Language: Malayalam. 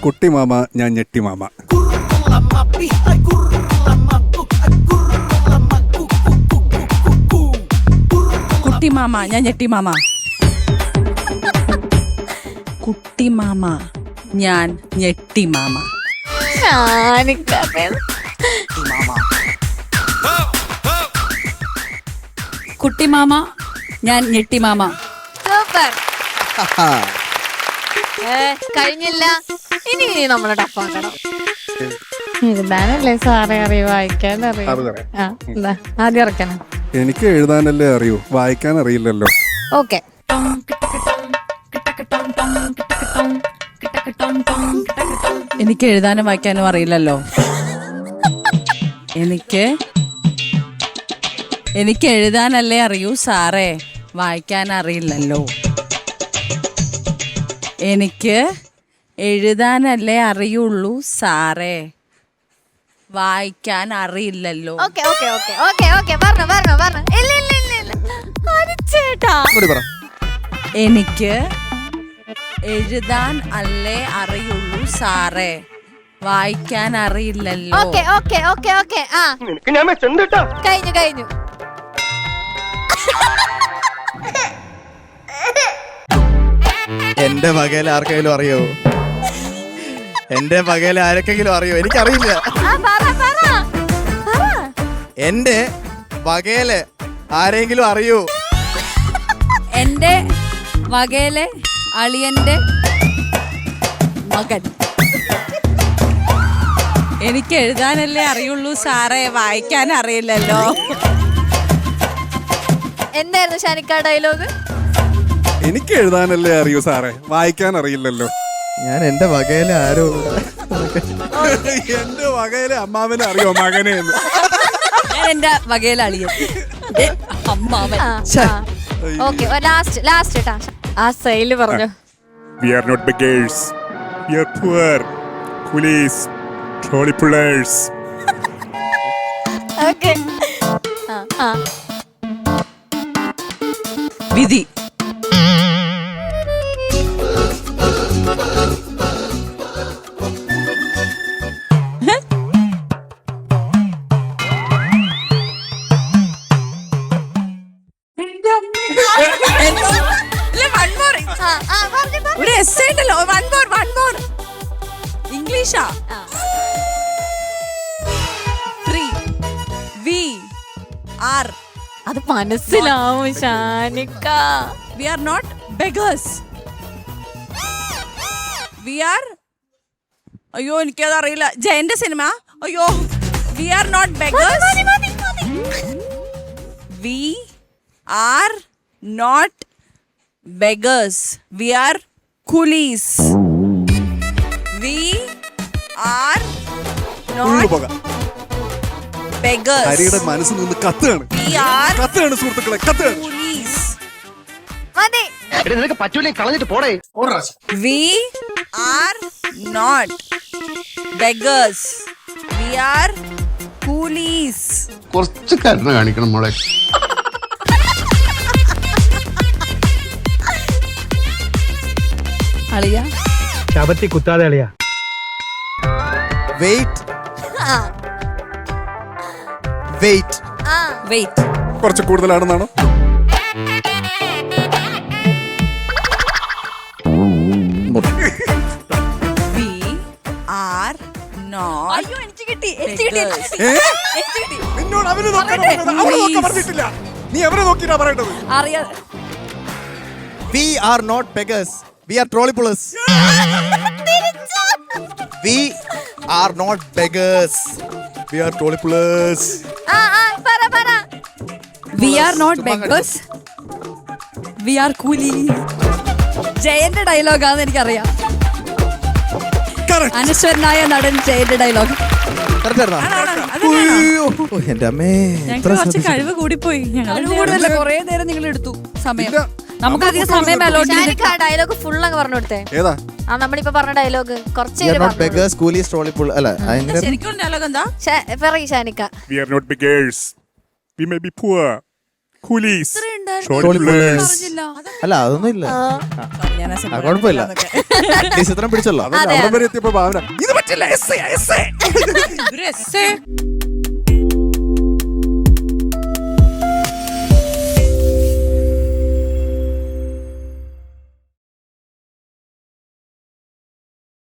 കുട്ടി മാമ ഞാൻ ഞെട്ടി മാമ. കുട്ടി മാമ ഞാൻ ഞെട്ടി മാമ. കുട്ടി മാമ ഞാൻ ഞെട്ടി മാമ. കുട്ടി മാമ ഞാൻ ഞെട്ടി മാമ. സൂപ്പർ. കഴിഞ്ഞില്ല, ഇനി നമ്മളെ ടഫാക്കണം. എഴുതാനല്ലേ സാറേ അറിയൂ, വായിക്കാൻ അറിയാം. ആദ്യം ഇറക്കണം. എനിക്ക് എഴുതാനല്ലേ അറിയൂ, വായിക്കാൻ അറിയില്ലല്ലോ. ഓക്കെ. എനിക്ക് എഴുതാനും വായിക്കാനും അറിയില്ലല്ലോ. എനിക്ക് എഴുതാനല്ലേ അറിയൂ സാറേ, വായിക്കാൻ അറിയില്ലല്ലോ. എനിക്ക് എഴുതാനല്ലേ അറിയുള്ളൂ സാറേ, വായിക്കാൻ അറിയില്ലല്ലോ. Okay okay okay okay okay പറഞ്ഞു. ഇല്ല ഇല്ല ഇല്ല ഇല്ല ചേട്ടാ. എനിക്ക് എഴുതാൻ അല്ലേ അറിയുള്ളൂ സാറേ, വായിക്കാൻ അറിയില്ലല്ലോ. Okay okay okay okay. ആ കഴിഞ്ഞു. എന്റെ വകയില് ആർക്കെങ്കിലും അറിയോ? എന്റെ വകയില് ആരൊക്കെങ്കിലും അറിയോ? എനിക്കറിയില്ല. എന്റെ വകയില് ആരെങ്കിലും അറിയോ? എന്റെ വകയിലെ അളിയന്റെ മകൻ. എനിക്ക് എഴുതാനല്ലേ അറിയുള്ളൂ സാറേ, വായിക്കാൻ അറിയില്ലല്ലോ. എന്തായിരുന്നു ഷാനിക്ക ഡയലോഗ്? എനിക്ക് എഴുതാനല്ലേ അറിയൂ സാറേ, വായിക്കാൻ അറിയില്ലല്ലോ. ഞാൻ എന്റെ വകയില് ആരോ എന്റെ വകയിലെ അമ്മാവനെ അറിയോ മകനെ എന്ന്? ഞാൻ എന്റെ വകയിലെ അളിയൻ അമ്മാവൻ. ഓക്കെ, ലാസ്റ്റ് ട്ടാ. ആ സൈല് പറഞ്ഞു. We are not beggars. We are poor. Coolies. Trolley pullers. Okay. വിധി. ഇംഗ്ലീഷാ. അത് മനസ്സിലാവും ഷാനിക്ക. We are not beggars. We are. അയ്യോ എനിക്കത് അറിയില്ല. ജയന്റെ സിനിമ. അയ്യോ. We are not beggars. We are not beggars. We are coolies. We are not beggars. ഹരിയുടെ മനസ്സിൽ നിന്ന് കത്തുകയാണ്. We are കത്തുകയാണ് സുഹൃത്തുക്കളെ, കത്തുകയാണ്. coolies. മതി. നിനക്ക് പറ്റൂലേ കളഞ്ഞിട്ട് പോടേ. We are not beggars. We are coolies. കുറച്ച് കരുണ കാണിക്കണം മോളെ. അളിയ ശബത്തി കുത്താതെ അളിയാ. വെയിറ്റ്. വെയിറ്റ്. കുറച്ച് കൂടുതലാണെന്നാണോ? We are not. അയ്യോ എനിക്ക് കിട്ടി. നിന്നോട് അവനെ നോക്കാൻ പറഞ്ഞിട്ടില്ല. നീ അവരെ നോക്കിയിട്ടാ പറയേണ്ടത്. അറിയാ. We are not beggars. We are trolley pullers. We are not beggars. We are trolley pullers. പറ. We are not beggars. We are coolies. ജയന്റെ ഡയലോഗാന്ന് എനിക്കറിയാം. അനശ്വരനായ നടൻ ജയന്റെ ഡയലോഗ്. എന്റെ അമ്മേ, ഞങ്ങൾക്ക് കുറച്ച് കഴിവ് കൂടിപ്പോയി. ഞങ്ങൾ കുറെ നേരം നിങ്ങൾ എടുത്തു സമയം. നമുക്കധികം സമയം ഷാനിക്ക ഡയലോഗ് ഫുൾ അങ്ങ് പറഞ്ഞു കൊടുത്തേ. ഏതാ? നമ്മളിപ്പോ പറഞ്ഞ ഡയലോഗ് കുറച്ച് beggars, coolies, trolley pull അല്ല. ശരിക്കും ഡയലോഗ് എന്താ? പറയ് ഷാനിക്ക. We are not beggars. We may be poor. Coolies. Short players അറിഞ്ഞില്ല. അല്ല അതൊന്നും ഇല്ല ഞാൻ ആ സിനിമ കുഴപ്പമില്ല കണ്ടില്ലാന്നൊക്കെ. ചിത്രം പിടിച്ചല്ലോ അവിടെ വരെ എത്തിയപ്പോ ഭാവന ഇത് പറ്റില്ല essay. ഒരു essay.